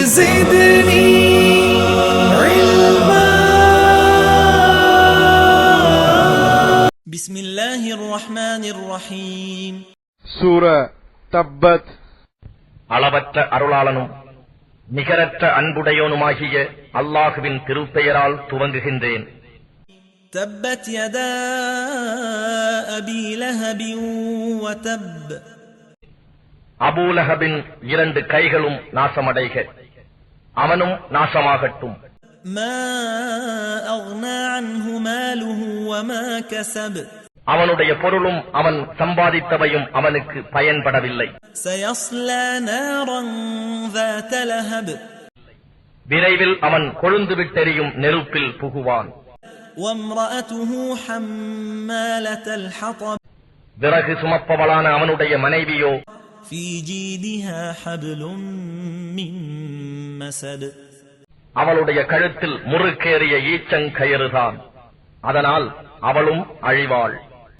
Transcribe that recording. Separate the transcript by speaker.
Speaker 1: زدني علما. بسم الله الرحمن الرحيم.
Speaker 2: சூரா தப்பத்.
Speaker 3: அளவற்ற அருளாளனும் நிகரற்ற அன்புடையோனுமாகிய அல்லாஹுவின் திருப்பெயரால் துவங்குகின்றேன்.
Speaker 1: تبت يدا أبي لهب وتب.
Speaker 3: அபூலஹபின் 2 கைகளும் நாசமடைக, அவனும் நாசமாகட்டும்.
Speaker 1: ما أغنى عنه ماله وما كسب.
Speaker 3: அவனுடைய பொருளும் அவன் சம்பாதித்தவையும் அவனுக்கு பயன்படவில்லை.
Speaker 1: سيصلى نارا ذات لهب.
Speaker 3: விரைவில் அவன் கொழுந்து விட்டெறியும் நெருப்பில் புகுவான்.
Speaker 1: وامرأته حمالة الحطب.
Speaker 3: விறகு சுமப்பவளான அவனுடைய மனைவியோ
Speaker 1: في جيدها حبل من مسد.
Speaker 3: அவளுடைய கழுத்தில் முறுக்கேறிய ஈச்சங்கயிறுதான், அதனால் அவளும் அழிவாள்.